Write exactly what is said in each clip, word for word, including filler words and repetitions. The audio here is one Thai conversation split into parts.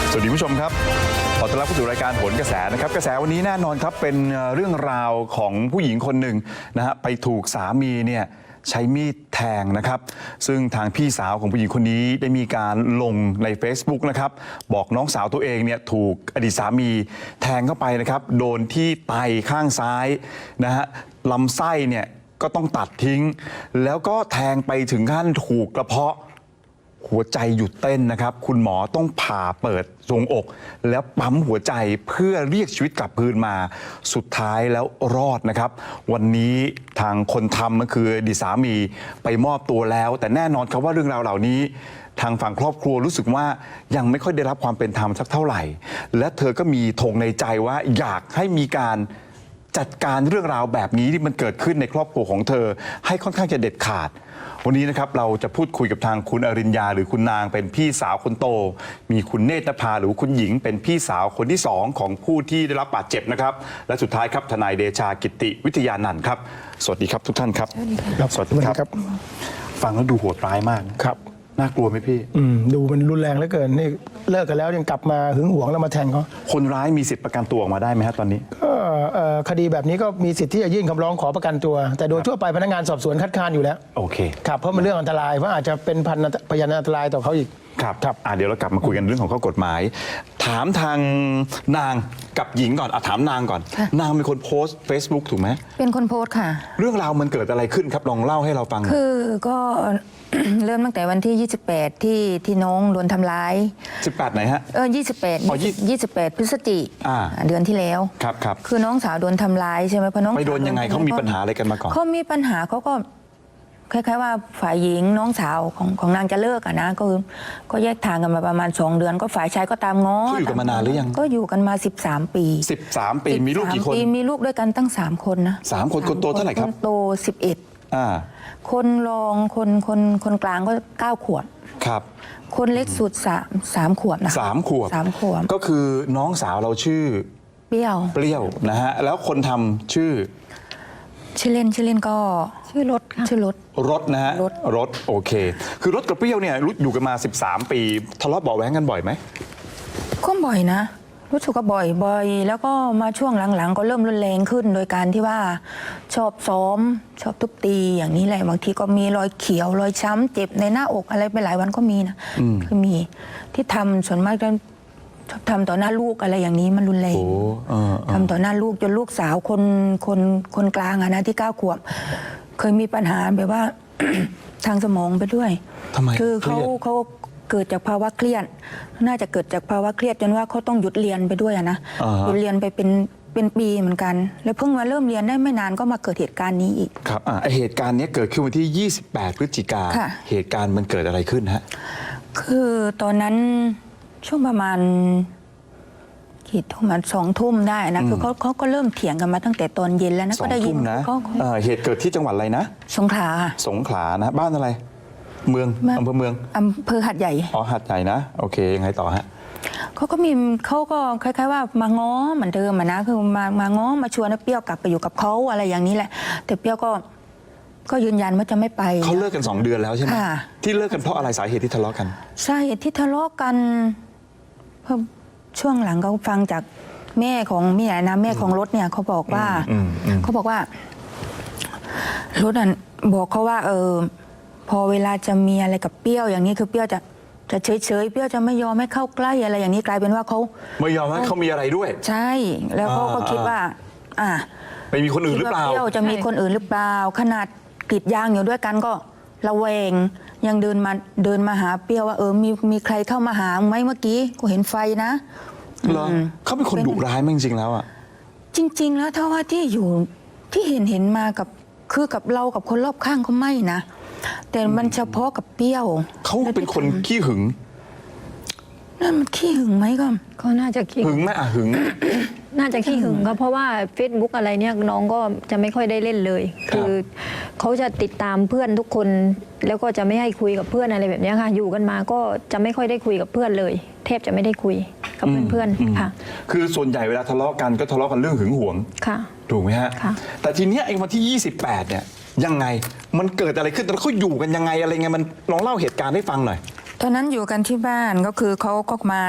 สวัสดีผู้ชมครับขอต้อนรับเข้าสู่รายการโหนกระแสนะครับกระแสวันนี้แน่นอนครับเป็นเรื่องราวของผู้หญิงคนหนึ่งนะฮะไปถูกสามีเนี่ยใช้มีดแทงนะครับซึ่งทางพี่สาวของผู้หญิงคนนี้ได้มีการลงใน Facebook นะครับบอกน้องสาวตัวเองเนี่ยถูกอดีตสามีแทงเข้าไปนะครับโดนที่ไตข้างซ้ายนะฮะลำไส้เนี่ยก็ต้องตัดทิ้งแล้วก็แทงไปถึงขั้นถูกกระเพาะหัวใจหยุดเต้นนะครับคุณหมอต้องผ่าเปิดทรวงอก แล้วปั๊มหัวใจเพื่อเรียกชีวิตกลับคืนมาสุดท้ายแล้วรอดนะครับวันนี้ทางคนทำก็คืออดีตสามีไปมอบตัวแล้วแต่แน่นอนครับว่าเรื่องราวเหล่านี้ทางฝั่งครอบครัวรู้สึกว่ายังไม่ค่อยได้รับความเป็นธรรมสักเท่าไหร่และเธอก็มีธงในใจว่าอยากให้มีการจัดการเรื่องราวแบบนี้ที่มันเกิดขึ้นในครอบครัวของเธอให้ค่อนข้างจะเด็ดขาดวันนี้นะครับเราจะพูดคุยกับทางคุณอริญญาหรือคุณนางเป็นพี่สาวคนโตมีคุณเนตรภาหรือคุณหญิงเป็นพี่สาวคนที่สองของผู้ที่ได้รับบาดเจ็บนะครับและสุดท้ายครับทนายเดชากิติวิทยานันท์ครับสวัสดีครับทุกท่านครับสวัสดีครับฟังแล้วดูโหดร้ายมากครับน่ากลัวไหมพี่อืมดูมันรุนแรงเหลือเกินนี่เลิกกันแล้วยังกลับมาหึงหวงแล้วมาแทงเขาคนร้ายมีสิทธิประกันตัวออกมาได้ไหมครับตอนนี้ก็คดีแบบนี้ก็มีสิทธิ์ที่จะยื่นคำร้องขอประกันตัวแต่โดยทั่วไปพนักงานสอบสวนคัดค้านอยู่แล้วโอเคครับเพราะมันเรื่องอันตรายเพราะอาจจะเป็นพันพยานอันตรายต่อเขาอีกครับครับเดี๋ยวเรากลับมาคุยกันเรื่องของข้อกฎหมายถามทางนางกับหญิงก่อนอ่ะถามนางก่อนนางเป็นคนโพสต์ Facebook ถูกไหมเป็นคนโพสต์ค่ะเรื่องราวมันเกิดอะไรขึ้นครับลองเล่าให้เราฟังคือก็ เริ่มตั้งแต่วันที่ยี่สิบแปดที่ที่น้องโดนทำร้ายสิบแปดไหนฮะเออยี่สิบแปดอ๋อยี่สิบแปดพฤศจิกายนเดือนที่แล้วครับครับคือน้องสาวโดนทำร้ายใช่ไหมเพราะน้องไปโดนยังไงเขามีปัญหาอะไรกันมาก่อนเขามีปัญหาเขาก็คล้ายๆว่าฝ่ายหญิงน้องสาวของของนางจะเลิกอะนะก็คือก็แยกทางกันมาประมาณสองเดือนก็ฝ่ายชายก็ตามง้อเขาอยู่กันมานานหรือยังก็อยู่กันมาสิบสามปีสิบสามปีมีลูกกี่คนมีลูกด้วยกันตั้งสามคนนะสามคนคนโตเท่าไหร่ครับคนโตสิบเอ็ดอ่าคนรองคนคนคนกลางก็เก้าขวบครับคนเล็กสุดสามสามขวบนะสามขวบสามขวบก็คือน้องสาวเราชื่อเปรี้ยวเปรี้ยวนะฮะแล้วคนทำชื่อชื่อเล่นชื่อเล่นก็ชื่อรถชื่อรถรถนะฮะรถรถโอเคคือรถกับเปรี้ยวเนี่ยรู้อยู่กันมาสิบสามปีทะเลาะเบาะแว้งกันบ่อยไหมก็บ่อยนะรู้สึกว่าบ่อยบ่อยแล้วก็มาช่วงหลังๆก็เริ่มรุนแรงขึ้นโดยการที่ว่าชอบซ้อมชอบทุบตีอย่างนี้แหละบางทีก็มีรอยเขียวรอยช้ำเจ็บในหน้าอกอะไรไปหลายวันก็มีนะคือมีที่ทำส่วนมากจะชอบทำต่อหน้าลูกอะไรอย่างนี้มันรุนแรงทำต่อหน้าลูกจนลูกสาวคนคนคนกลางอะนะที่เก้าขวบเคยมีปัญหาแบบว่า ทางสมองไปด้วยคือเขาเขาเกิดจากภาวะเครียดน่าจะเกิดจากภาวะเครียดจนว่าเขาต้องหยุดเรียนไปด้วยนะหยุดเรียนไปเป็นเป็นปีเหมือนกันแล้วเพิ่งมาเริ่มเรียนได้ไม่นานก็มาเกิดเหตุการณ์นี้อีกครับอ่าเหตุการณ์นี้เกิดขึ้นวันที่ยี่สิบแปดพฤศจิกาเหตุการณ์มันเกิดอะไรขึ้นฮะคือตอนนั้นช่วงประมาณกี่ทุ่มมันสองทุ่มได้นะคือเขาเขาก็เริ่มเถียงกันมาตั้งแต่ตอนเย็นแล้วนะก็ได้ยินนะเหตุเกิดที่จังหวัดอะไรนะสงขลาสงขลานะบ้านอะไรเมืองอำเภอเมืองอำเภอหัดใหญ่อ๋อหัดใหญ่นะโอเคยังไงต่อฮะเขาก็มีเขาก็คล้ายๆว่ามาง้อเหมือนเดิมนะคือมามาง้อมาชวนให้เปรี้ยวกลับไปอยู่กับเขาอะไรอย่างนี้แหละแต่เปรี้ยวก็ก็ยืนยันว่าจะไม่ไปเขาเลิกกันสองเดือนแล้วใช่ไหมที่เลิกกันเพราะอะไรสาเหตุที่ทะเลาะกันสาเหตุที่ทะเลาะกันเพราะช่วงหลังเขาฟังจากแม่ของแม่นะแม่ของรถเนี่ยเขาบอกว่าเขาบอกว่ารถอ่ะบอกเขาว่าเออพอเวลาจะมีอะไรกับเปรี้ยวอย่างนี้คือเปรี้ยวจะจะเฉยเฉยเปรี้ยวจะไม่ยอมให้เข้าใกล้อะไรอย่างนี้กลายเป็นว่าเขาไม่ยอมให้เขามีอะไรด้วยใช่แล้วเขาก็คิดว่าอ่ะไปมีคนอื่นหรือเปล่าเปรี้ยวจะมีคนอื่นหรือเปล่าขนาดกรีดยางอยู่ด้วยกันก็ระแวงยังเดินมาเดินมาหาเปรี้ยวว่าเออมีมีใครเข้ามาหาไหมเมื่อกี้กูเห็นไฟนะเหรอเขาเป็นคนดุร้ายมั้ยจริงๆแล้วอ่ะจริงๆแล้วถ้าว่าที่อยู่ที่เห็นเห็นมากับคือกับเรากับคนรอบข้างเขาไม่นะแต่มันเฉพาะกับเปรี้ยวเขาเป็นคนขี้หึงนั่นมันขี้หึงไหมก็ก็น่าจะขี้หึงไหมอ่ะหึงน่าจะขี้หึงก็เพราะว่า Facebook อะไรเนี่ยน้องก็จะไม่ค่อยได้เล่นเลยคือเขาจะติดตามเพื่อนทุกคนแล้วก็จะไม่ให้คุยกับเพื่อนอะไรแบบนี้ค่ะอยู่กันมาก็จะไม่ค่อยได้คุยกับเพื่อนเลยแทบจะไม่ได้คุยกับเพื่อนๆค่ะคือส่วนใหญ่เวลาทะเลาะกันก็ทะเลาะกันเรื่องหึงหวงค่ะถูกไหมฮะแต่ทีเนี้ยไอ้วันที่ยี่สิบแปดเนี่ยยังไงมันเกิดอะไรขึ้นตอนเขาอยู่กันยังไงอะไรไงมันลองเล่าเหตุการณ์ให้ฟังหน่อยตอนนั้นอยู่กันที่บ้านก็คือเขาก็มานะ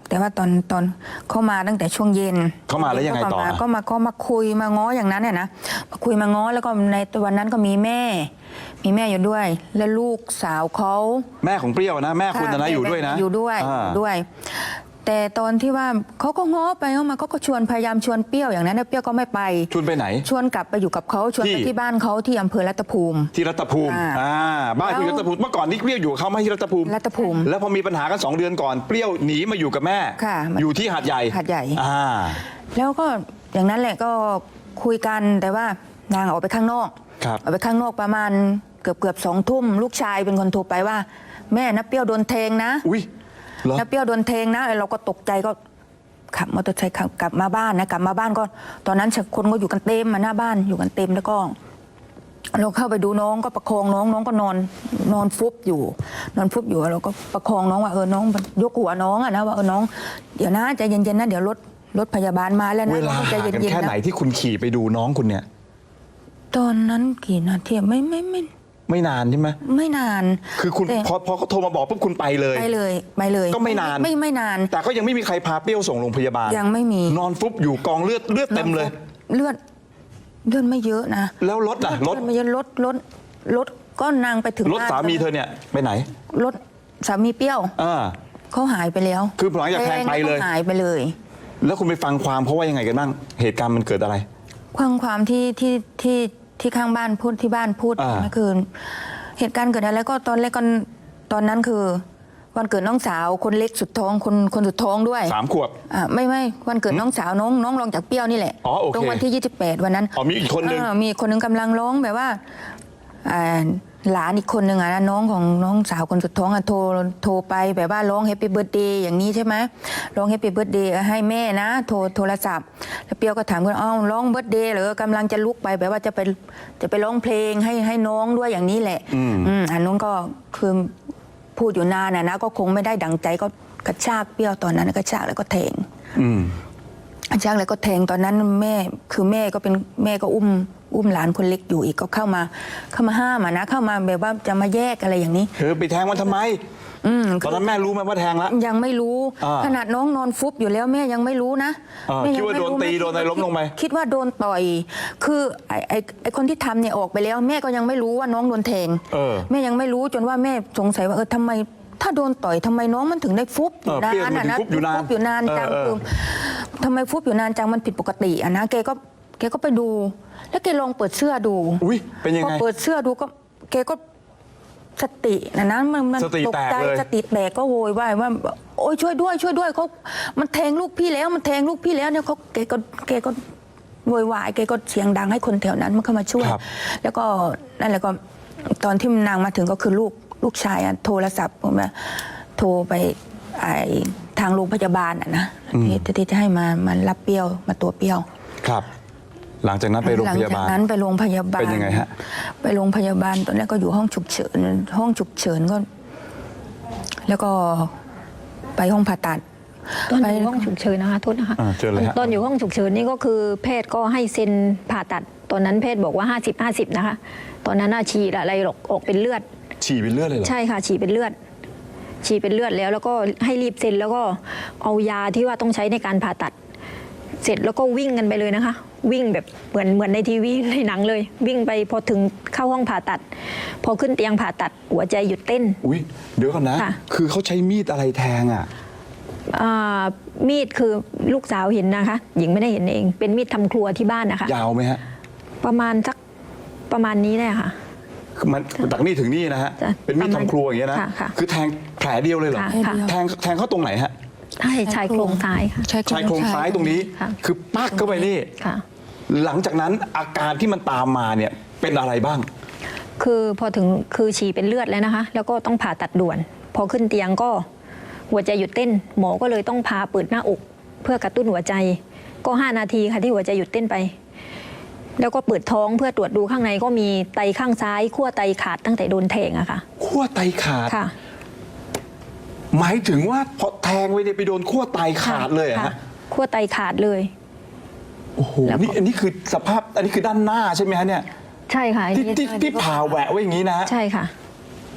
แต่ว่าตอนตอนเข้ามาตั้งแต่ช่วงเย็นเข้ามาแล้วยังไงต่อก็มาก็มาก็มาคุยมาง้ออย่างนั้นเนี่ยนะมาคุยมาง้อแล้วก็ในวันนั้นก็มีแม่ มีแม่อยู่ด้วย แล้วลูกสาวเขาแม่ของเปรี้ยวนะแม่คุณนะค่ะอยู่ด้วยนะอยู่ด้วยอ่าอยู่ด้วย แต่ตอนที่ว่าเขาก็ง้อไปง้อมาเขาก็ชวนพยายามชวนเปรี้ยวอย่างนั้นนะเปรี้ยวก็ไม่ไปชวนไปไหนชวนกลับไปอยู่กับเขาชวนไปที่ที่บ้านเขาที่อำเภอรัตภูมิที่รัตภูมิอ่าอ่าบ้านคุณอยู่รัตภูมิเมื่อก่อนนี่เปรี้ยวอยู่กับเขาไหม่ที่รัตภูมิรัตภูมิแล้วพอมีปัญหากันสองเดือนก่อนเปรี้ยวหนีมาอยู่กับแม่ค่ะอยู่ที่หาดใหญ่หาดใหญ่อ่าแล้วก็อย่างนั้นแหละก็คุยกันแต่ว่านางออกไปข้างนอกครับออกไปข้างนอกประมาณเกือบเกือบสองทุ่มลูกชายเป็นคนโทรไปว่า แม่นะเปรี้ยวโดนแทงนะอุ้ยเหรอนะเปรี้ยวโดนแทงนะเราก็ตกใจก็ขับมอเตอร์ไซค์ขับกลับมาบ้านนะกลับมาบ้านก็ ตอนนั้นคนก็อยู่กันเต็มมาหน้าบ้านอยู่กันเต็มแล้วก็ เราเข้าไปดูน้องก็ประคองน้องน้องก็นอนนอนฟุบอยู่ นอนฟุบอยู่เราก็ประคองน้องว่าเออน้องยกหัวน้องอะนะว่าเออน้องเดี๋ยวนะใจเย็นๆนะเดี๋ยวรถรถพยาบาลมาแล้วนะเวลาใจห่างกันเย็นแค่ๆไหนนะที่คุณขี่ไปดูน้องคุณเนี่ยตอนนั้นกี่นาทีไม่ไม่ไม่ไม่นานใช่ไหมไม่นานคือคุณแต่พอพอเขาโทรมาบอกปุ๊บคุณไปเลยไปเลยไปเลยก็ไม่นานไม่ไม่นานแต่ก็ยังไม่มีใครพาเปรี้ยวส่งโรงพยาบาลยังไม่มีนอนฟุบอยู่กองเลือดเลือดเต็มเลยเลือดเลือดไม่เยอะนะแล้วรถล่ะรถเลือดไม่เยอะรถรถรถก็นางไปถึงรถบ้นสามีเธอเนี่ยไปไหนรถสามีเปรี้ยวอ่าเขาหายไปแล้วคือหลังจากแทงไปเลยแวก็หายไปเลยแล้วคุณไปฟังความเขาว่ายังไงกันบ้างเหตุการณ์มันเกิดอะไรความความที่ที่ที่ที่ข้างบ้านพูดที่บ้านพูดอ่าเมื่อคืนเหตุการณ์เกิดอะไรก็ตอนแรกก็ตอนนั้นคือ วันเกิดน้องสาวคนเล็กสุดท้องคนคนสุดท้องด้วยสามขวบอ่าไม่ไม่วันเกิดน้องสาวน้องน้องรองจากเปรี้ยวนี่แหละอ๋อโอเคตรงวันที่ยี่สิบแปดวันนั้นอ๋อมีอีกคนนึงามีคนนึงกำลังร้องแบบว่าอ่าหลานอีกคนหนึ่งอะนะน้องของน้องสาวคนสุดท้องอะโทรโทรไปแบบว่าร้องแฮปปี้เบิร์ดเดย์อย่างนี้ใช่ไหมร้องแฮปปี้เบิร์ดเดย์ให้แม่นะโทรโทรศัพท์แล้วเปรี้ยวก็ถามว่าอ้าวร้องเบิร์ดเดย์เหรอกำลังจะลุกไปแบบว่าจะไปจะไปร้องเพลงให้ให้น้องด้วยอย่างนี้แหละอืมอืมอันนู้นก็คือพูดอยู่นานนะนะก็คงไม่ได้ดังใจก็กระชากเปรี้ยวตอนนั้นกระชากแล้วก็แทงอืมกระชากแล้วก็แทงตอนนั้นแม่คือแม่ก็เป็นแม่ก็อุ้มอุ้มหลานคนเล็กอยู่อีกก็เข้ามาเข้ามาห้ามอะนะเข้ามาแบบว่าจะมาแยกอะไรอย่างนี้เธอไปแทงมันทำไมอืมตอนนั้นแม่รู้ไหมว่าแทงแล้วยังไม่รู้อ่าขนาดน้องนอนฟุบอยู่แล้วแม่ยังไม่รู้นะอ่าแม่คิดว่ายังไม่โดนตีแโดนอะไรล้มลงไปคิดว่าโดนต่อย คือไอ้ไอ้ไอ้คนที่ทำเนี่ยออกไปแล้ว แม่ก็ยังไม่รู้ว่าน้องโดนแทงเออแม่ยังไม่รู้จนว่าแม่สงสัยว่าเออทำไม ถ้าโดนต่อยทำไมน้องมันถึงได้ฟุบอยู่เออเปรี้ยวนานมันถึงอะนะฟุบอยู่นานฟุบอยู่นานจังเออเออคือทำไมฟุบอยู่นานจังมันผิดปกติอะนะแกก็แกก็ไปดู แล้วแกลองเปิดเสื้อดูอุ้ยเป็นยังพอไงเปิดเสื้อดูก็แกก็สตินะนะมันมันสติตกแตกใจเลยสติแตกก็โวยวายว่าโอ้ยช่วยด้วยช่วยด้วยเขามันแทงลูกพี่แล้วมันแทงลูกพี่แล้วเนี่ยเขาแกก็แกก็โวยวายแกก็เสียงดังให้คนแถวนั้นมันเข้ามาช่วยครับแล้วก็นั่นแหละก็ตอนที่นางมาถึงก็คือลูกลูกชายอะโทรศัพท์ผมว่าโทรไปไอทางโรงพยาบาลอะนะที่ที่จะให้มามารับเปรี้ยวมาตัวเปรี้ยวครับ หลังจากนั้นไปโรงพยาบาลหลังจากนั้นไปโรงพยาบาลเป็นยังไงฮะไปโรงพยาบาลตอนแรกก็อยู่ห้องฉุกเฉินห้องฉุกเฉินก็ แล้วก็ไปห้องผ่าตัดตอนไปอยู่ห้องฉุกเฉินนะคะโทษนะคะอ่าเชิญเลยฮะตอนอยู่ห้องฉุกเฉินนี่ก็คือแพทย์ก็ให้เซ็นผ่าตัด ตอนนั้นแพทย์บอกว่า ห้าสิบ ห้าสิบ นะคะ ตอนนั้นน่าฉีดอะไรหรอกออกเป็นเลือดฉี่เป็นเลือดเลยเหรอใช่ค่ะฉีดเป็นเลือด ฉีดเป็นเลือดแล้ว แล้วก็ให้รีบเซ็นแล้วก็เอายาที่ว่าต้องใช้ในการผ่าตัด เสร็จแล้วก็วิ่งกันไปเลยนะคะ วิ่งแบบเหมือนเหมือนในทีวีในหนังเลย วิ่งไปพอถึงเข้าห้องผ่าตัด พอขึ้นเตียงผ่าตัดหัวใจหยุดเต้นอุ้ยเดี๋ยวก่อนนะค่ะคือเขาใช้มีดอะไรแทงอ่ะอ่ามีดคือลูกสาวเห็นนะคะ หญิงไม่ได้เห็นเอง เป็นมีดทำครัวที่บ้านนะคะยาวไหมฮะประมาณสักประมาณนี้ได้ค่ะคือมันจากนี่ถึงนี่นะฮะจ้ะเป็นมีดทำครัวอย่างเงี้ยนะค่ะค่ะคือแทงแผลเดียวเลยเหรอค่ะค่ะแทงแทงเข้าตรงไหนฮะใช่ชายโครงซ้ายค่ะใช่ชายโครงซ้ายตรงนี้ค่ะคือปักเข้าไปนี่ค่ะหลังจากนั้นอาการที่มันตามมาเนี่ยเป็นอะไรบ้างคือพอถึงคือฉี่เป็นเลือดแล้วนะคะ แล้วก็ต้องผ่าตัดด่วน พอขึ้นเตียงก็หัวใจหยุดเต้น หมอก็เลยต้องพาเปิดหน้าอก เพื่อกระตุ้นหัวใจ ก็ห้านาทีค่ะที่หัวใจหยุดเต้นไป แล้วก็เปิดท้องเพื่อตรวจดูข้างในก็มีไตข้างซ้ายขั้วไตขาดตั้งแต่โดนแทงอะค่ะขั้วไตขาดค่ะหมายถึงว่าพอแทงไปเนี่ยไปโดนขั้วไตขาดเลยเหรอค่ะฮะขั้วไตขาดเลยโอ้โหแล้วก็นี่อันนี้คือสภาพอันนี้คือด้านหน้าใช่ไหมฮะเนี่ยใช่ค่ะอันที่นี้ที่ที่ผ่าแหวะไว้อย่างนี้นะฮะใช่ค่ะ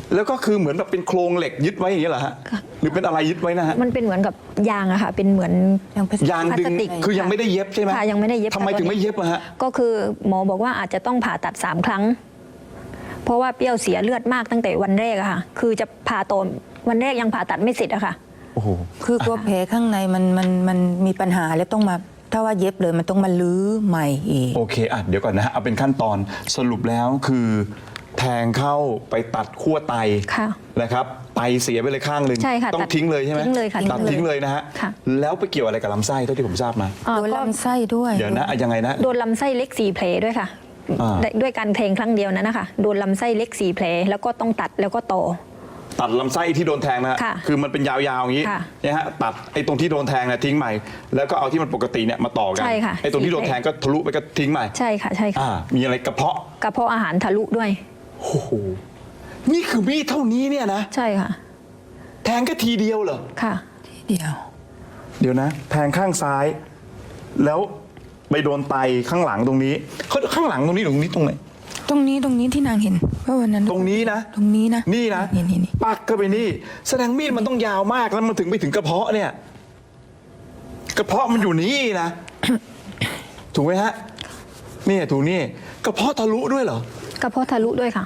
แล้วก็คือเหมือนแบบเป็นโครงเหล็กยึดไว้อย่างนี้เหรอฮะหรือเป็นอะไรยึดไว้นะฮะมันเป็นเหมือนกับยางอะค่ะ เป็นเหมือนยังเป็นยางดึงพลาสติกคือยังไม่ได้เย็บใช่ไหมค่ะยังไม่ได้เย็บทำไมถึงไม่เย็บอะฮะก็คือหมอบอกว่าอาจจะต้องผ่าตัดสามครั้ง เพราะว่าเปรี้ยวเสียเลือดมากตั้งแต่วันแรกอะค่ะ คือจะผ่าต่อวันแรกยังผ่าตัดไม่เสร็จอะค่ะโอ้โหคือกลัวแผลข้างในมันมันมันมีปัญหาแล้วต้องมาถ้าว่าเย็บเลยมันต้องมาลื้อใหม่อีกโอเคอ่ะเดี๋ยวก่อนนะฮะเอาเป็นขั้นตอนสรุปแล้วคือแทงเข้าไปตัดขั้วไตค่ะนะครับไตเสียไปเลยข้างหนึ่งใช่ค่ะต้องตัดทิ้งเลยใช่ไหมทิ้งเลยค่ะตัดทิ้ทิ้งงเลเลย ยนะฮะค่ะแล้วไปเกี่ยวอะไรกับลำไส้เท่าที่ผมทราบมาอ่าโดนก็ลำไส้ด้วยเดี๋ยวนะอ่ะยังไงนะโดนลำไส้เล็กสี่แผลด้วยค่ะอ่าได้ด้วยการแทงครั้งเดียวนั้นนะคะโดนลำไส้เล็กสี่แผลแล้วก็ต้องตัดแล้วก็ต่อตัดลำไส้ที่โดนแทงนะฮะค่ะคือมันเป็นยาวๆอย่างนี้ค่ะนะฮะตัดไอ้ตรงที่โดนแทงเนี่ยทิ้งใหม่ แล้วก็เอาที่มันปกติเนี่ยมาต่อกันใช่ค่ะไอ้ตรงที่โดนแทงก็ทะลุไปก็ทิ้งใหม่ใช่ค่ะใช่ค่ะอ่ามีอะไรกระเพาะกระเพาะอาหารทะลุด้วยโอ้โหนี่คือมีดเท่านี้เนี่ยนะใช่ค่ะแทงแค่ทีเดียวเหรอค่ะเดียวเดี๋ยวนะ แทงข้างซ้าย แล้วไปโดนไตข้างหลังตรงนี้เขาข้างหลังตรงนี้หรือตรงนี้ตรงไหนตรงนี้ตรงนี้ที่นางเห็นเพราะวันนั้นตรงนี้นะตรงนี้นะนี่นะนี่นี่นี่ปักก็ไปนี่ แสดงมีดมันต้องยาวมากแล้วมันถึงไปถึงกระเพาะเนี่ย กระเพาะมันอยู่นี่นะ ถูกไหมฮะนี่ถูกนี่กระเพาะทะลุด้วยเหรอกระเพาะทะลุด้วยค่ะ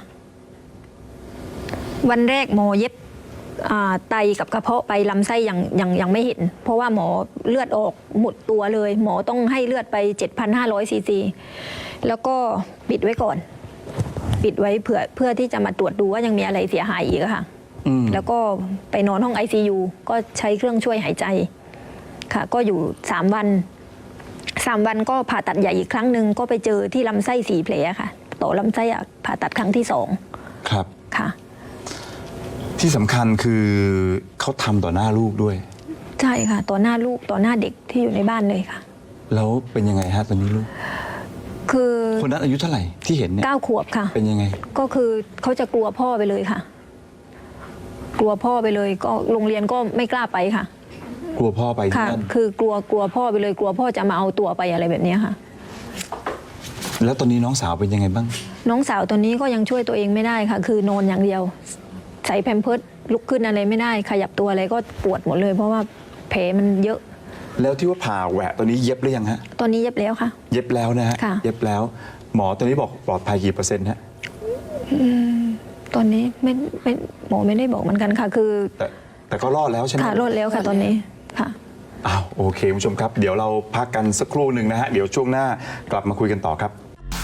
วันแรกหมอเย็บอ่าไตกับกระเพาะไปลำไส้ยังยังยังไม่เห็น เพราะว่าหมอเลือดออกหมดตัวเลย หมอต้องให้เลือดไป เจ็ดพันห้าร้อย ซีซี แล้วก็ปิดไว้ก่อน ปิดไว้เพื่อเพื่อที่จะมาตรวจดูว่ายังมีอะไรเสียหายอีกอะค่ะอืมแล้วก็ไปนอนห้อง ไอ ซี ยู ก็ใช้เครื่องช่วยหายใจค่ะ ก็อยู่สามวันสามวันก็ผ่าตัดใหญ่อีกครั้งหนึ่งก็ไปเจอที่ลำไส้สี่แผลค่ะต่อลำไส้อะผ่าตัดครั้งที่สองครับค่ะที่สำคัญคือเขาทำต่อหน้าลูกด้วยใช่ค่ะ ต่อหน้าลูกต่อหน้าเด็กที่อยู่ในบ้านเลยค่ะแล้วเป็นยังไงฮะตอนนี้ลูกคือคนนั้นอายุเท่าไหร่ที่เห็นเนี่ยเก้าขวบค่ะเป็นยังไงก็คือเขาจะกลัวพ่อไปเลยค่ะ กลัวพ่อไปเลย ก็โรงเรียนก็ไม่กล้าไปค่ะกลัวพ่อไปที่ค่ะนั่นคือกลัวกลัวพ่อไปเลย กลัวพ่อจะมาเอาตัวไปอะไรแบบเนี้ยค่ะแล้วตอนนี้น้องสาวเป็นยังไงบ้างน้องสาวตอนนี้ก็ยังช่วยตัวเองไม่ได้ค่ะ คือนอนอย่างเดียว ใส่แพมเพิร์สลุกขึ้นอะไรไม่ได้ ขยับตัวอะไรก็ปวดหมดเลย เพราะว่าแผลมันเยอะแล้วที่ว่าผ่าแหวะตอนนี้เย็บหรือยังฮะตอนนี้เย็บแล้วค่ะเย็บแล้วนะฮะค่ะเย็บแล้ว หมอตอนนี้บอกปลอดภัยกี่เปอร์เซ็นต์ฮะตอนนี้ไม่ไม่หมอไม่ได้บอกเหมือนกันค่ะ คือแต่แต่ก็รอดแล้วใช่ไหมค่ะรอดแล้วค่ะตอนนี้ค่ะอ้าวโอเคคุณผู้ชมครับ เดี๋ยวเราพักกันสักครู่หนึ่งนะฮะ เดี๋ยวช่วงหน้ากลับมาคุยกันต่อครับ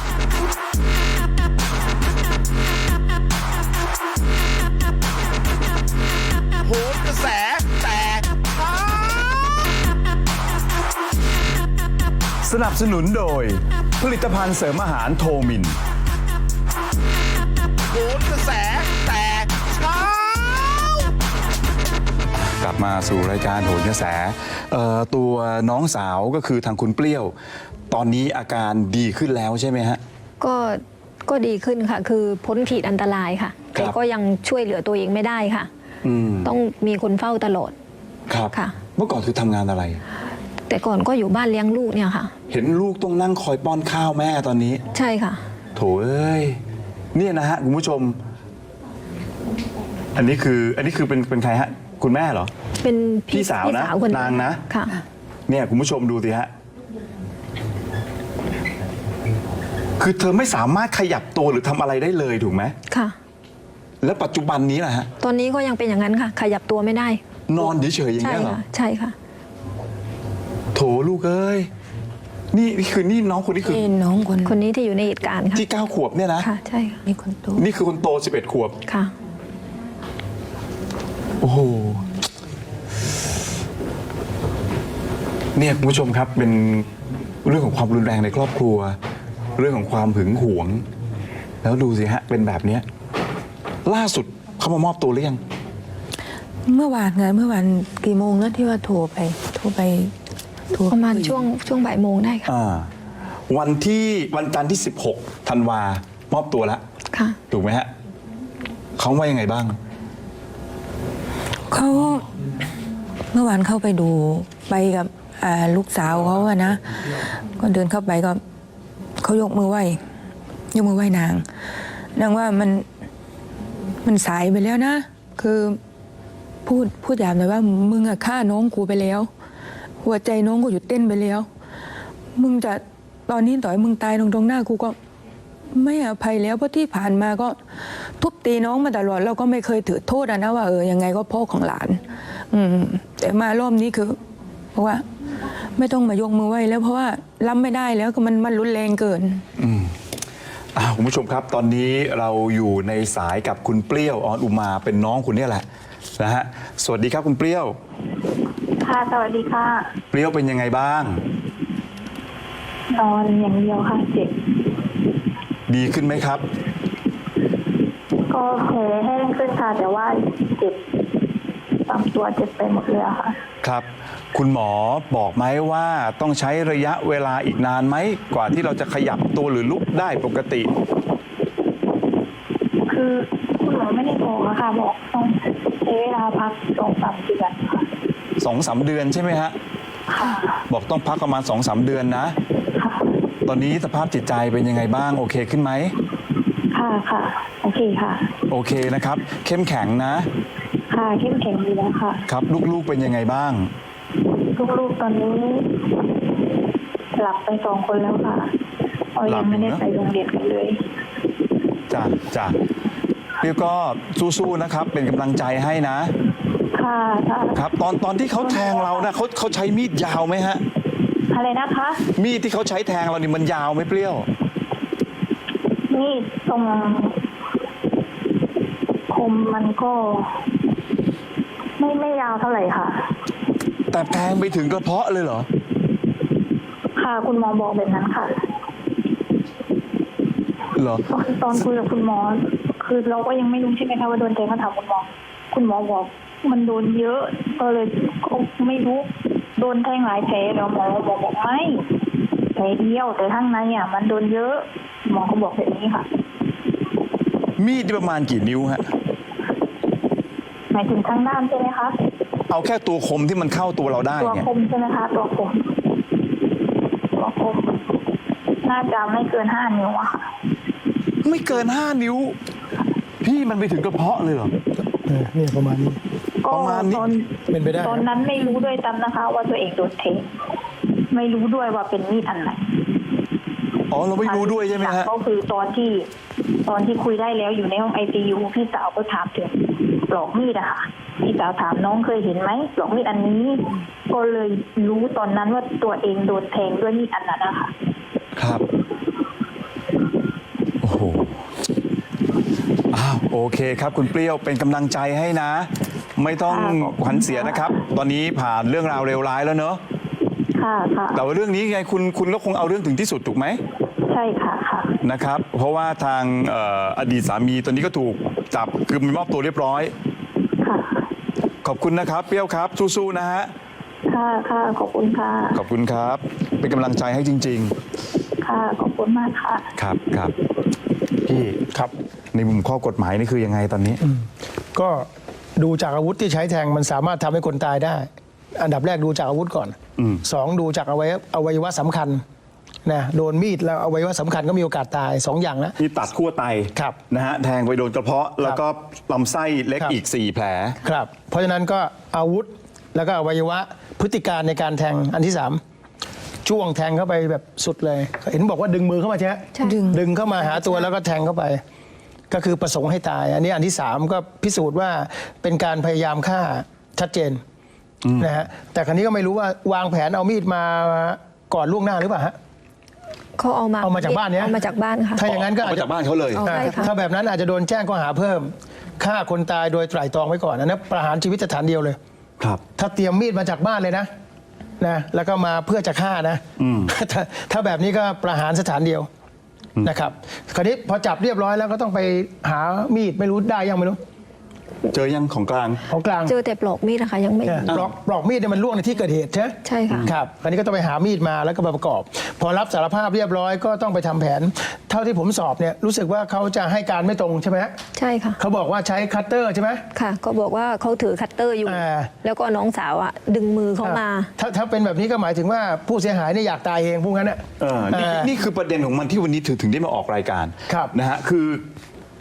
โหนกระแสแตกเช้าสนับสนุนโดย ผลิตภัณฑ์เสริมอาหารโทมินโหนกระแสแตกเช้ากลับมาสู่รายการโหนกระแสเอ่อตัวน้องสาวก็คือทางคุณเปรี้ยว ตอนนี้อาการดีขึ้นแล้วใช่ไหมฮะก็ก็ดีขึ้นค่ะ คือพ้นขีดอันตรายค่ะครับแต่ก็ยังช่วยเหลือตัวเองไม่ได้ค่ะอืมต้องมีคนเฝ้าตลอดครับค่ะเมื่อก่อนคือทำงานอะไรแต่ก่อนก็อยู่บ้านเลี้ยงลูกเนี่ยค่ะเห็นลูกต้องนั่งคอยป้อนข้าวแม่ตอนนี้ใช่ค่ะโถเอ้ยเนี่ยนะฮะคุณผู้ชม อันนี้คืออันนี้คือเป็นเป็นใครฮะ คุณแม่เหรอเป็นพี่สาวนะคนนางนะค่ะเนี่ยคุณผู้ชมดูสิฮะ คือเธอไม่สามารถขยับตัวหรือทำอะไรได้เลยถูกไหมค่ะแล้วปัจจุบันนี้นะฮะตอนนี้ก็ยังเป็นอย่างนั้นค่ะ ขยับตัวไม่ได้นอนเฉยๆอย่างใช่เงี้ยเหรอค่ะ ใช่ค่ะโถลูกเอ้ย นี่นี่คือนี่น้องคนนี้คือนี่น้องคนคนนี้ที่อยู่ในเหตุการณ์ค่ะที่เก้าขวบเนี่ยนะค่ะ ใช่ค่ะนี่คนโตนี่คือคนโตสิบเอ็ดขวบค่ะโอ้โห เนี่ยคุณผู้ชมครับเป็นเรื่องของความรุนแรงในครอบครัว เรื่องของความหึงหวง แล้วดูสิฮะ เป็นแบบเนี้ยล่าสุดเขามามอบตัวหรือยังเมื่อวานไงเมื่อวานกี่โมงนะที่ว่าโทรไป โทรไปโทรประมาณช่วงช่วงบ่ายโมงได้ค่ะอ่า วันที่วันจันทร์ที่สิบหกธันวามอบตัวแล้วค่ะถูกไหมฮะเขาว่ายังไงบ้างเขาเมื่อวานเข้าไปดูไปกับอ่าลูกสาวเขาอะนะ ก็เดินเข้าไปก็เขายกมือไหว้ยกมือไหว้นางนางว่ามันมันสายไปแล้วนะ คือพูดพูดหยาบหน่อยว่ามึงอะฆ่าน้องกูไปแล้ว หัวใจน้องกูหยุดเต้นไปแล้ว มึงจะตอนนี้ต่อยมึงตายตรงตรงหน้ากูก็ไม่อภัยแล้วเพราะที่ผ่านมาก็ทุบตีน้องมาตลอดเราก็ไม่เคยถือโทษอะนะว่าเออยังไงก็พ่อของหลาน อืมแต่มารอบนี้คือเพราะว่าไม่ต้องมายกมือไหว้แล้วเพราะว่ารับไม่ได้แล้วก็มันมันรุนแรงเกินอ่าคุณผู้ชมครับตอนนี้เราอยู่ในสายกับคุณเปรี้ยวออนอุมาเป็นน้องคุณเนี่ยแหละนะฮะสวัสดีครับคุณเปรี้ยวค่ะสวัสดีค่ะเปรี้ยวเป็นยังไงบ้างนอนอย่างเดียวค่ะเจ็บดีขึ้นไหมครับก็แผลแห้งขึ้นค่ะ แต่ว่าเจ็บตามตัวเจ็บไปหมดเลยอะค่ะครับ คุณหมอบอกไหมว่าต้องใช้ระยะเวลาอีกนานไหมกว่าที่เราจะขยับตัวหรือลุกได้ปกติคือคุณหมอไม่ได้บอกอะค่ะ บอกต้องใช้เวลาพักสองสามเดือนค่ะสองสามเดือนใช่ไหมฮะค่ะบอกต้องพักประมาณสองสามเดือนนะค่ะตอนนี้สภาพจิตใจเป็นยังไงบ้างโอเคขึ้นไหมค่ะค่ะโอเคค่ะโอเคนะครับ เข้มแข็งนะค่ะเข้มแข็งดีแล้วค่ะครับลูกๆเป็นยังไงบ้างลูกๆตอนนี้ หลับไปสองคนแล้วค่ะเรายังไม่ได้ไปโรงเรียนกันเลยจ้ะจ้ะเรียกก็สู้ๆนะครับ เป็นกำลังใจให้นะค่ะค่ะครับ ตอนตอนที่เขาแทงเรานะเขาเขาใช้มีดยาวไหมฮะอะไรนะคะมีดที่เขาใช้แทงเรานี่มันยาวไหมเปรี้ยวนี่ตรงคมมันก็ ไม่ไม่ยาวเท่าไหร่ค่ะแต่แทงไปถึงกระเพาะเลยเหรอค่ะคุณหมอบอกแบบนั้นค่ะเหรอตอนตอนคุยกับคุณหมอ คือเราก็ยังไม่รู้ใช่ไหมคะว่าโดนแทงก็ถามคุณหมอ คุณหมอบอกมันโดนเยอะ ก็เลยก็ไม่รู้โดนแทงหลายแผลแล้วหมอบอกบอกไม่แผลเดียวแต่ข้างในอ่ะมันโดนเยอะหมอก็บอกแบบนี้ค่ะมีดนี่ประมาณกี่นิ้วฮะหมายถึงข้างด้านใช่ไหมคะเอาแค่ตัวคมที่มันเข้าตัวเราได้ตัวเนี่ยคมใช่ไหมคะตัวคมตัวคมน่าจะไม่เกินห้านิ้วอะค่ะไม่เกินห้านิ้ว พี่มันไปถึงกระเพาะเลยเหรอเออเนี่ยประมาณนี้ก็ประมาณนี้ตอนเป็นไปได้ตอนนั้นไม่รู้ด้วยซ้ำนะคะ ว่าตัวเองโดนเทงไม่รู้ด้วยว่าเป็นมีดอันไหนอ๋อเราไม่รู้ด้วยใช่ไหมฮะก็คือตอนที่ตอนที่คุยได้แล้วอยู่ในห้องไอซียูพี่สาวก็ถามถึงปลอกมีดอะค่ะพี่สาวถามน้องเคยเห็นไหมปลอกมีดอันนี้ ก็เลยรู้ตอนนั้นว่าตัวเองโดนแทงด้วยมีดอันนั้นนะคะครับ โอ้โห อ้าวโอเคครับคุณเปรี้ยวเป็นกำลังใจให้นะ ไม่ต้องค่ะขอบคุณขวัญเสียนะครับ ตอนนี้ผ่านเรื่องราวเลวร้ายแล้วเนอะค่ะค่ะแต่ว่าเรื่องนี้ไงคุณคุณก็คงเอาเรื่องถึงที่สุดถูกไหมใช่ค่ะค่ะนะครับ เพราะว่าทางเอ่ออดีตสามีตอนนี้ก็ถูกจับคือมีมอบตัวเรียบร้อยค่ะขอบคุณนะครับเปรี้ยวครับสู้ๆนะฮะค่ะค่ะขอบคุณค่ะขอบคุณครับ เป็นกำลังใจให้จริงค่ะขอบคุณมากค่ะๆ ครับครับพี่ครับในมุมข้อกฎหมายนี่คือยังไงตอนนี้ก็ดูจากอาวุธที่ใช้แทงมันสามารถทำให้คนตายได้ อันดับแรกดูจากอาวุธก่อนอืมสองดูจากอวัยวะอวัยวะสำคัญนะโดนมีดแล้วอวัยวะสำคัญก็มีโอกาสตายสองอย่างนะนี่ตัดขั้วไตครับนะฮะแทงไปโดนกระเพาะ แล้วก็ลำไส้เล็กครับอีกสี่แผลครับ เพราะฉะนั้นก็อาวุธแล้วก็อวัยวะพฤติการในการแทงอันที่สามจ้วงแทงเข้าไปแบบสุดเลย เห็นบอกว่าดึงมือเข้ามาใช่ไหมใช่ดึงดึงเข้ามาหาตัวแล้วก็แทงเข้าไป ก็คือประสงค์ให้ตาย อันนี้อันที่สามก็พิสูจน์ว่าเป็นการพยายามฆ่าชัดเจนนะฮะแต่ครั้นี้ก็ไม่รู้ว่าวางแผนเอามีดมาก่อนล่วงหน้าหรือเปล่าฮะเขาเอามาเอามาจากบ้านเนี้ยเอามาจากบ้านค่ะถ้าอย่างนั้นก็เอามาจากบ้านเขาเลยเอาอ่าใช่ค่ะถ้าแบบนั้นอาจจะโดนแจ้งข้อหาเพิ่มฆ่าคนตายโดยไตร่ตรองไว้ก่อนอันนั้นประหารชีวิตสถานเดียวเลยครับถ้าเตรียมมีดมาจากบ้านเลยนะนะแล้วก็มาเพื่อจะฆ่านะถ้าถ้าแบบนี้ก็ประหารสถานเดียวนะครับคราวนี้พอจับเรียบร้อยแล้วก็ต้องไปหามีดไม่รู้ได้ยังไม่รู้เจอยังของกลางของกลางเจอแต่ปลอกมีดนะคะยังไม่เนี่ยปลอกปลอกมีดเนี่ยมันล่วงในที่เกิดเหตุใช่ไหมใช่ค่ะครับคราวนี้ก็ต้องไปหามีดมาแล้วก็มาประกอบ พอรับสารภาพเรียบร้อยก็ต้องไปทำแผน เท่าที่ผมสอบเนี่ยรู้สึกว่าเขาจะให้การไม่ตรงใช่ไหมฮะใช่ค่ะเขาบอกว่าใช้คัตเตอร์ใช่ไหมค่ะก็บอกว่าเขาถือคัตเตอร์อยู่อ่าแล้วก็น้องสาวอ่ะดึงมือเขามาถ้าถ้าเป็นแบบนี้ก็หมายถึงว่าผู้เสียหายเนี่ยอยากตายเองพวกนั้นน่ะเออนี่อ่านี่คือประเด็นของมันที่วันนี้ถึงถึงได้มาออกรายการครับนะฮะคือ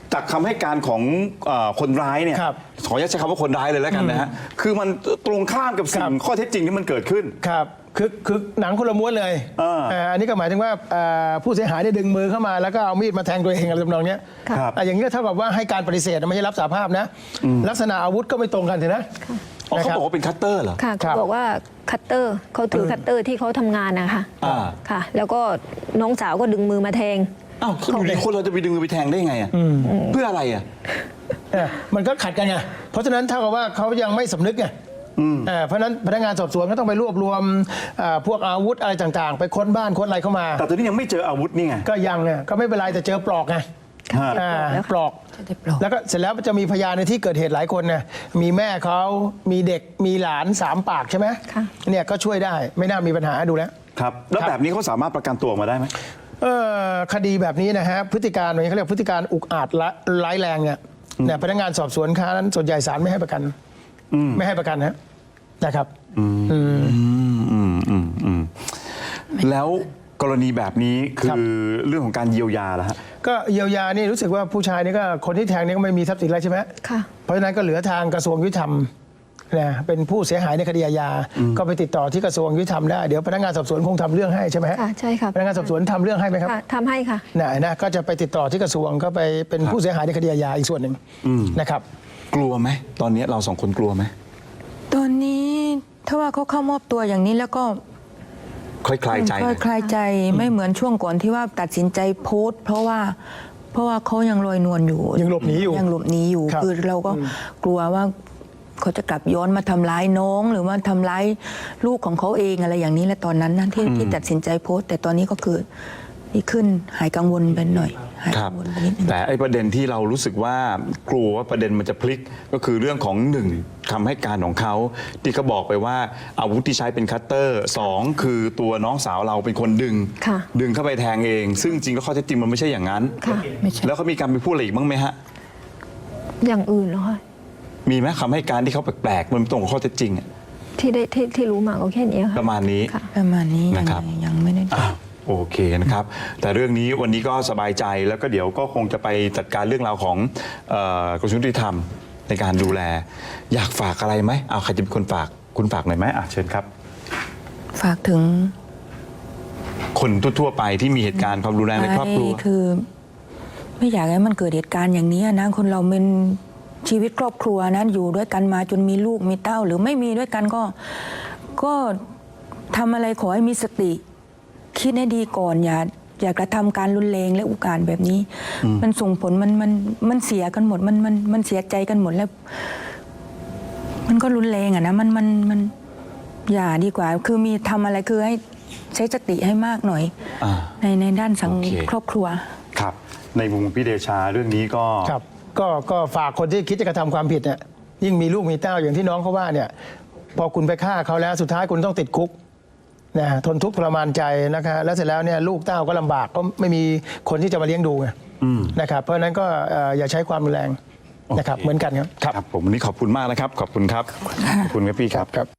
จากคำให้การของเอ่อคนร้ายเนี่ยครับขออนุญาตใช้คำว่าคนร้ายเลยแล้วกันนะฮะคือมันตรงข้ามกับสิ่ครังบข้อเท็จจริงที่มันเกิดขึ้นครับคือคือหนังคนละม้วนเลยเออเอ่ออันนี้ก็หมายถึงว่าเอ่อผู้เสียหายได้ดึงมือเข้ามาแล้วก็เอามีดมาแทงตัวเองอะไรทำนองเนี้ยครับอ่ะอย่างนี้ก็เท่ากับว่าให้การปฏิเสธไม่ใช่รับสาภาพนะ ลักษณะอาวุธก็ไม่ตรงกันเถอะนะอ๋อเขานะครับบอกว่าเป็นคัตเตอร์เหรอค่ะครัเขาบบอกว่าคัตเตอร์เขาถือคัตเตอร์ที่เขาทำงานนะคะอ่าค่ะ แล้วก็น้องสาวก็ดึงมือมาแทงอ้าวอยู่ดีคนเราจะไปดึงมือไปแทงได้ไงอ่ะเพื่ออะไรอ่ะเออมันก็ขัดกันไง เพราะฉะนั้นเท่ากับว่าเขายังไม่สำนึกไงเออเพราะฉะนั้นพนักงานสอบสวนก็ต้องไปรวบรวมเอ่อพวกอาวุธอะไรต่างๆ ไปค้นบ้านค้นอะไรเข้ามาแต่ตอนนี้ยังไม่เจออาวุธนี่ไงก็ยังเนี่ยก็ไม่เป็นไรแต่เจอปลอกไงฮะอ่าแล้วปลอกจะได้ปลอกแล้วก็เสร็จแล้วจะมีพยานในที่เกิดเหตุหลายคนนะมีแม่เขามีเด็กมีหลานสามปากใช่ไหมค่ะเนี่ยก็ช่วยได้ไม่น่ามีปัญหาดูแล้วครับ แล้วครับแบบนี้เขาสามารถประกันตัวออกมาได้ไหมเออคดีแบบนี้นะฮะพฤติการอย่างนี้เขาเรียกพฤติการอุกอาจละร้ายแรงเนี่ยเนี่ยพนักงานสอบสวนค้านั้นส่วนใหญ่ศาลไม่ให้ประกันไม่ให้ประกันนะนะครับอืมอืมอืมอืมแล้วกรณีแบบนี้คืครับอเรื่องของการเยียวยาแล้วฮะก็เยียวยานี่รู้สึกว่าผู้ชายนี่ก็คนที่แทงนี่ก็ไม่มีทรัพย์สินอะไรใช่ไหมค่ะเพราะฉะนั้นก็เหลือทางกระทรวงยุติธรรมนะเป็นผู้เสียหายในคดีอาญาก็ไปติดต่อที่กระทรวงยุติธรรมได้เดี๋ยวพนักงานสอบสวนคงทำเรื่องให้ใช่ไหมฮะค่ะใช่ค่ะพนักงานสอบสวนทำเรื่องให้ไหมครับค่ะทำให้ค่ะนะนะก็จะไปติดต่อที่กระทรวงก็ไปเป็นผู้เสียหายในคดีอาญาอีกส่วนหนึ่งนะครับกลัวไหมตอนนี้เราสองคนกลัวไหมตอนนี้ถ้าว่าเขาเข้ามอบตัวอย่างนี้แล้วก็คลายคลายใจหค่น่ออย ยคลายใจไม่เหมือนช่วงก่อนที่ว่าตัดสินใจโพสต์ เพราะว่าเพราะว่าเขายังลอยนวลอยู่ยังหลบหนีอยู่ยังหลบหนีอยู่ครับคือเราก็กลัวว่าเขาจะกลับย้อนมาทำร้ายน้อง หรือว่าทำร้ายลูกของเขาเองอะไรอย่างนี้และตอนนั้นนะที่ที่ตัดสินใจโพสต์ แต่ตอนนี้ก็คือดีขึ้นหายกังวลไปหน่อยหายครักับงวลไปนิดนึงแต่ไอ้ประเด็นที่เรารู้สึกว่ากลัวว่าประเด็นมันจะพลิกก็คือเรื่องของหนึ่งคำให้การของเขาที่เขาบอกไปว่าอาวุธที่ใช้เป็นคัตเตอร์สองคือตัวน้องสาวเราเป็นคนดึงค่ะดึงเข้าไปแทงเอง ซึ่งจริงแล้วข้อเท็จจริงมันไม่ใช่อย่างนั้นค่ะไม่ใช่แล้วเขามีการไปพูดอะไรอีกบ้างไหมฮะอย่างอื่นเหรอคะมีไหมคำให้การที่เขาแปลกๆมันตรงกับข้อเท็จจริงอะที่ได้ที่ที่รู้มาก็แค่นี้ค่ะประมาณนี้ค่ะประมาณนี้ยังนะครับยังไม่ได้อ้าวโอเคนะครับ แต่เรื่องนี้วันนี้ก็สบายใจแล้วก็เดี๋ยวก็คงจะไปจัดการเรื่องราวของเอ่อกระทรวงยุติธรรมในการดูแล อยากฝากอะไรไหมเอาใครจะเป็นคนฝากคุณฝากหน่อยไหมอ่ะเชิญครับฝากถึงคนทั่วๆไปที่มีเหตุการณ์ความรุนแรงในครอบครัวคือ ไม่อยากให้มันเกิดเหตุการณ์อย่างนี้นะคนเราเป็นชีวิตครอบครัวนะอยู่ด้วยกันมาจนมีลูกมีเต้า หรือไม่มีด้วยกันก็ก็ทำอะไรขอให้มีสติ คิดให้ดีก่อนอย่าอย่ากระทำการรุนแรงและอุกอาจแบบนี้ มันส่งผลมันมันมันเสียกันหมดมันมันมันเสียใจกันหมดแล้ว มันก็รุนแรงอะนะมันมันมันอย่าดีกว่า คือมีทำอะไรคือให้ใช้สติให้มากหน่อยอ่าในในด้านสังโอเคครอบครัวครับ ในมุมพี่เดชาเรื่องนี้ก็ครับก็ก็ฝากคนที่คิดจะกระทำความผิดเนี่ยยิ่งมีลูกมีเต้าอย่างที่น้องเขาว่าเนี่ยพอคุณไปฆ่าเขาแล้วสุดท้ายคุณต้องติดคุกนะทนทุกข์ทรมานใจนะคะแล้วเสร็จแล้วเนี่ยลูกเต้าก็ลำบากก็ไม่มีคนที่จะมาเลี้ยงดูไงนะครับเพราะฉะนั้นก็เอ่ออย่าใช้ความรุนแรงนะครับโอเคเหมือนกันครับครับผมวันนี้ขอบคุณมากนะครับ ขอบคุณครับ ขอบคุณครับพี่ครับ